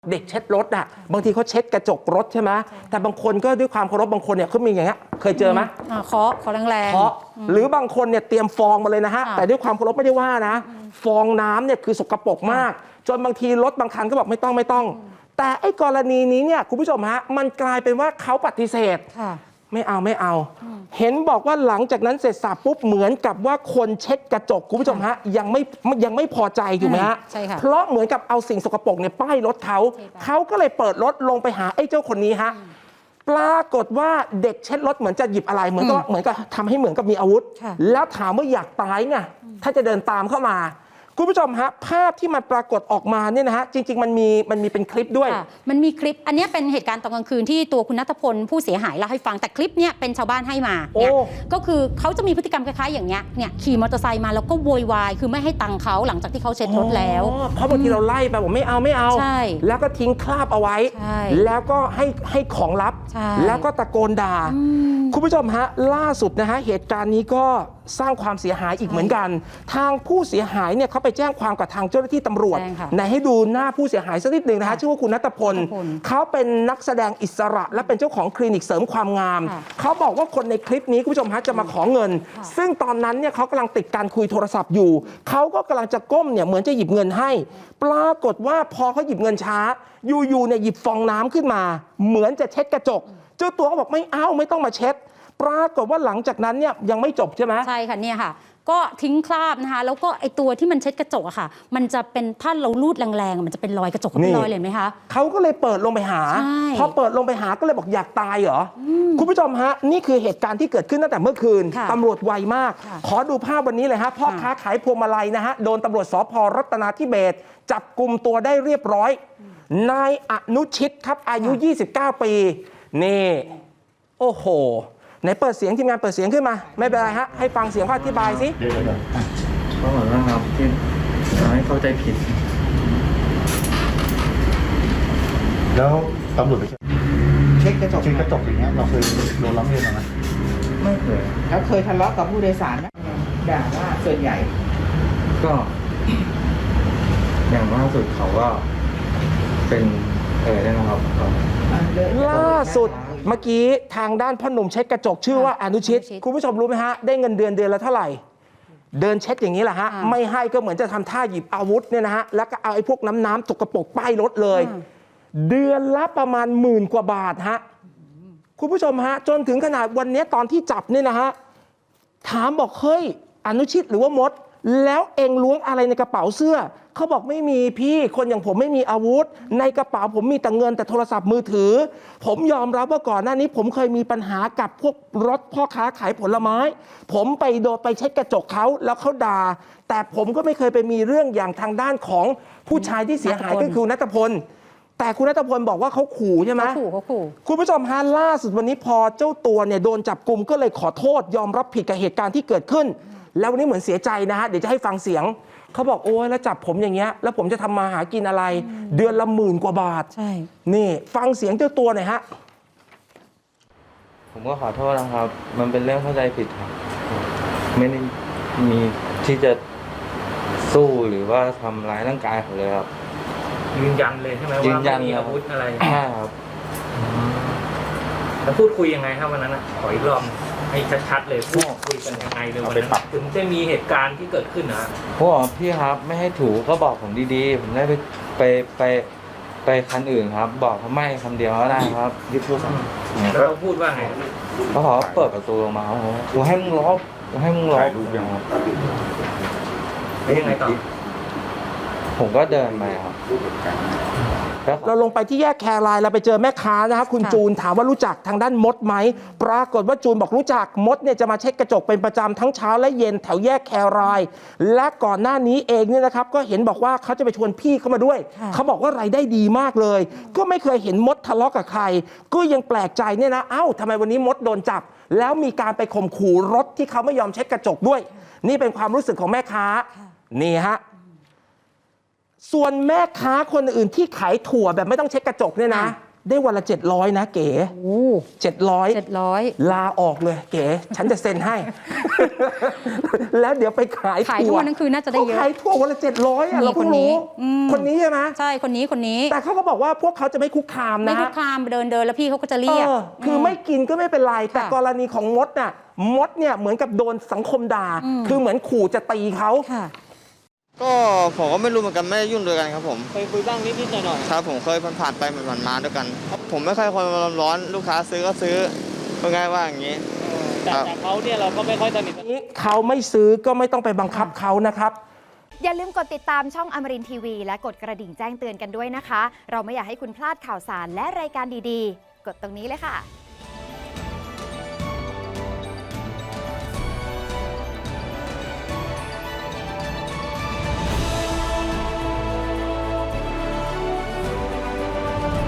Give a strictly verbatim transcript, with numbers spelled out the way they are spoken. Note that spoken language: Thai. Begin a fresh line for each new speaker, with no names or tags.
เด็กเช็ดรถอ่ะบางทีเขาเช็ดกระจกรถใช่ไหมแต่บางคนก็ด้วยความเคารพบางคนเนี่ยเขามีอย่างเงี้ยเคยเจอไหม
เคาะเคาะแรงๆ
เคาะหรือบางคนเนี่ยเตรียมฟองมาเลยนะฮะแต่ด้วยความเคารพไม่ได้ว่านะฟองน้ำเนี่ยคือสกปรกมากจนบางทีรถบางคันก็บอกไม่ต้องไม่ต้องแต่ไอ้กรณีนี้เนี่ยคุณผู้ชมฮะมันกลายเป็นว่าเขาปฏิเสธไม่เอาไม่เอา เห็นบอกว่าหลังจากนั้นเสร็จสับปุ๊บเหมือนกับว่าคนเช็ดกระจกคุณผู้ชมฮะยังไม่ยังไม่พอใจถูกไหมฮะ
ใช่ค่ะ
เพราะเหมือนกับเอาสิ่งสกปรกเนี่ยป้ายรถเขาเขาก็เลยเปิดรถลงไปหาไอ้เจ้าคนนี้ฮะปรากฏว่าเด็กเช็ดรถเหมือนจะหยิบอะไรเหมือนกับเหมือนกับทำให้เหมือนกับมีอาวุธแล้วถามว่าอยากตายไงถ้าจะเดินตามเข้ามาคุณผู้ชมฮะภาพที่มันปรากฏออกมาเนี่ยนะฮะจริงๆมันมีมันมีเป็นคลิปด้วย
มันมีคลิปอันนี้เป็นเหตุการณ์ตอนกลางคืนที่ตัวคุณณัฐพลผู้เสียหายเล่าให้ฟังแต่คลิปเนี้ยเป็นชาวบ้านให้มาเนี่ยก็คือเขาจะมีพฤติกรรมคล้ายๆอย่างเงี้ยเนี่ยขี่มอเตอร์ไซค์มาแล้วก็โวยวายคือไม่ให้ตังค์เขาหลังจากที่เขาเช็ดรถแล้ว
เพราะบางทีเราไล่ไปบอกไม่เอาไม่เอาแล้วก็ทิ้งคราบเอาไว้แล้วก็ให้ให้ของลับแล้วก็ตะโกนด่าคุณผู้ชมฮะล่าสุดนะฮะเหตุการณ์นี้ก็สร้างความเสียหายอีกเหมือนกันทางผู้เสียหายเนี่ยเขาไปแจ้งความกับทางเจ้าหน้าที่ตำรวจไหนให้ดูหน้าผู้เสียหายสักนิดหนึ่งนะฮะชื่อว่าคุณณัฐพลเขาเป็นนักแสดงอิสระและเป็นเจ้าของคลินิกเสริมความงามเขาบอกว่าคนในคลิปนี้คุณผู้ชมฮะจะมาขอเงินซึ่งตอนนั้นเนี่ยเขากำลังติดการคุยโทรศัพท์อยู่เขาก็กำลังจะก้มเนี่ยเหมือนจะหยิบเงินให้ปรากฏว่าพอเขาหยิบเงินช้าอยู่ๆเนี่ยหยิบฟองน้ำขึ้นมาเหมือนจะเช็ดกระจกเจ้าตัวก็บอกไม่เอาไม่ต้องมาเช็ดปรากฏว่าหลังจากนั้นเนี่ยยังไม่จบใช่ไหม
ใช่ค่ะเนี่ยค่ะก็ทิ้งคราบนะคะแล้วก็ไอตัวที่มันเช็ดกระจกอะค่ะมันจะเป็นถ้าเราลูดแรงๆมันจะเป็นรอยกระจกเป็นรอยเลยไหมคะ
เขาก็เลยเปิดลงไปหาพอเปิดลงไปหาก็เลยบอกอยากตายเหรอคุณผู้ชมฮะนี่คือเหตุการณ์ที่เกิดขึ้นตั้งแต่เมื่อคืนตำรวจไวมากขอดูภาพวันนี้เลยฮะพ่อค้าขายพวงมาลัยนะฮะโดนตำรวจสภ.รัตนาธิเบศรจับกลุ่มตัวได้เรียบร้อยนายอนุชิตครับอายุยี่สิบเก้าปีนี่โอ้โหไหนเปิดเสียงทีมงานเปิดเสียงขึ้นมาไม่เป็นไรฮะให้ฟังเสียงเขาอธิบายสิ
เดี๋ยวก็เหมือนว่าครับที่ทำให้เข้าใจผิด
แล้วตำรวจไป
เช็คกระจก
เช็คกระจกอย่างเงี้ยเราเคยโดนร้องเรียนไหม
ไม่เคยแล้วเคยทะเลาะกับผู้โดยสารไหมด่าว่าส่วนใหญ่
ก็อย่างล่าสุดเขาก็เป็นเออได้นะครับ
ล่าสุดเมื่อกี้ทางด้านพ่อหนุ่มเช็ดกระจกชื่อว่าอนุชิตคุณผู้ชมรู้ไหมฮะได้เงินเดือนเดือนละเท่าไหร่เดินเช็ดอย่างนี้แหละฮะไม่ให้ก็เหมือนจะทำท่าหยิบอาวุธเนี่ยนะฮะแล้วก็เอาไอ้พวกน้ำน้ำตกกระปกป้ายรถเลยเดือนละประมาณหมื่นกว่าบาทฮะคุณผู้ชมฮะจนถึงขนาดวันนี้ตอนที่จับเนี่ยนะฮะถามบอกเฮ้ยอนุชิตหรือว่ามดแล้วเองล้วงอะไรในกระเป๋าเสื้อเขาบอกไม่มีพี่คนอย่างผมไม่มีอาวุธในกระเป๋าผมมีแต่เงินแต่โทรศัพท์มือถือผมยอมรับว่าก่อนหน้านี้ผมเคยมีปัญหากับพวกรถพ่อค้าขายผลไม้ผมไปโดนไปเช็ดกระจกเขาแล้วเขาด่าแต่ผมก็ไม่เคยไปมีเรื่องอย่างทางด้านของผู้ชายที่เสียหายก็คือณัฐพลแต่คุณณัฐพลบอกว่าเขาขู่ใช่ไหม
เขาขู่เขาขู่
คุณผู้ชมฮะล่าสุดวันนี้พอเจ้าตัวเนี่ยโดนจับกุมก็เลยขอโทษยอมรับผิดกับเหตุการณ์ที่เกิดขึ้นแล้ววันนี้เหมือนเสียใจนะฮะเดี๋ยวจะให้ฟังเสียงเขาบอกโอ้ยแล้วจับผมอย่างเงี้ยแล้วผมจะทำมาหากินอะไรเดือนละหมื่นกว่าบาท
ใช่
นี่ฟังเสียงเจ้าตัวหน่อยฮะ
ผมก็ขอโทษนะครับมันเป็นเรื่องเข้าใจผิดครับไม่ได้มีที่จะสู้หรือว่าทำร้ายร่างกายเขาเลยครับ
ยืนยันเลยใช่ไหมว่าไม่มีอาวุธอะไร
ใช่ครับ
แล้วพูดคุยยังไงครับวันนั้นนะขออีกรอบให้ชัดๆเลยพูดคุยกันยังไงเลยวันนั้นถึงจะมีเหตุการณ์ที่เกิดขึ้นนะ
ผมบอกพี่ครับไม่ให้ถูก็บอกผมดีๆผมได้ไปไปไปไปคันอื่นครับบอกเขาไม่คำเดียวก็ได้ครับ
ยึดโทรศัพท์แล้วเขาพูดว่าไง
เขาขอเปิดประตูลงมากูให้มึงล็อกกูให้มึงล็อก
แล้วยังไงต่อ
ผมก็เดินไปครับ
เราลงไปที่แยกแครายเราไปเจอแม่ค้านะครับคุณจูนถามว่ารู้จักทางด้านมดไหมปรากฏว่าจูนบอกรู้จักมดเนี่ยจะมาเช็ดกระจกเป็นประจำทั้งเช้าและเย็นแถวแยกแครายและก่อนหน้านี้เองเนี่ยนะครับก็เห็นบอกว่าเขาจะไปชวนพี่เข้ามาด้วยเขาบอกว่ารายได้ดีมากเลยก็ไม่เคยเห็นมดทะเลาะกับใครก็ยังแปลกใจเนี่ยนะเอ้าทำไมวันนี้มดโดนจับแล้วมีการไปข่มขู่รถที่เขาไม่ยอมเช็ดกระจกด้วยนี่เป็นความรู้สึกของแม่ค้านี่ฮะส่วนแม่ค้าคนอื่นที่ขายถั่วแบบไม่ต้องเช็ดกระจกเนี่ยนะได้วันละเจ็ดร้อยนะเก๋
โอ้
เจ็ดร้อย
เจ็ดร้อย
ลาออกเลยเก๋ ฉันจะเซ็นให้ แล้วเดี๋ยวไปขาย
ขาย
ถั่
ทั่
ว
วนั่นคือน่าจะได้เยอะ
ขาขายทั่ววันละเจ็ดร้อยอ่ะ
นี่
เราเพิ่ง
คนนี้
รู้
อืม
คนนี้ใช่ไหม
ใช่คนนี้คนนี้
แต่เขาก็บอกว่าพวกเขาจะไม่คุกคาม
ไม่
นะ
คุกคามเดินเดินแล้วพี่เขาก็จะเรียก
เออคือไม่กินก็ไม่เป็นไร แต่
ค่ะ
กรณีของมดน่ะมดเนี่ยเหมือนกับโดนสังคมด่า
อืม
คือเหมือนขู่จะตีเขา
ค่ะ
ก็ผมก็ไม่รู้เหมือนกันไม่ได้ยุ่งด้วยกันครับผม
เคยคุยบ้างนิดๆหน่อย
ครับผมเคยผ่านๆไปผ่านๆมาด้วยกัน ผมไม่ค่อยคนอารมณ์ร้อนลูกค้าซื้อก็ซื้อก็ง่ายว่าอย่างนี้
ๆแต่
ครับ
แต่เขาเนี่ยเราก็ไม่ค่อยสนิท
นี้เขาไม่ซื้อก็ไม่ต้องไปบังคับเขานะครับ
อย่าลืมกดติดตามช่องอมรินทร์ทีวีและกดกระดิ่งแจ้งเตือนกันด้วยนะคะ เราไม่อยากให้คุณพลาดข่าวสารและรายการดีๆ กดตรงนี้เลยค่ะ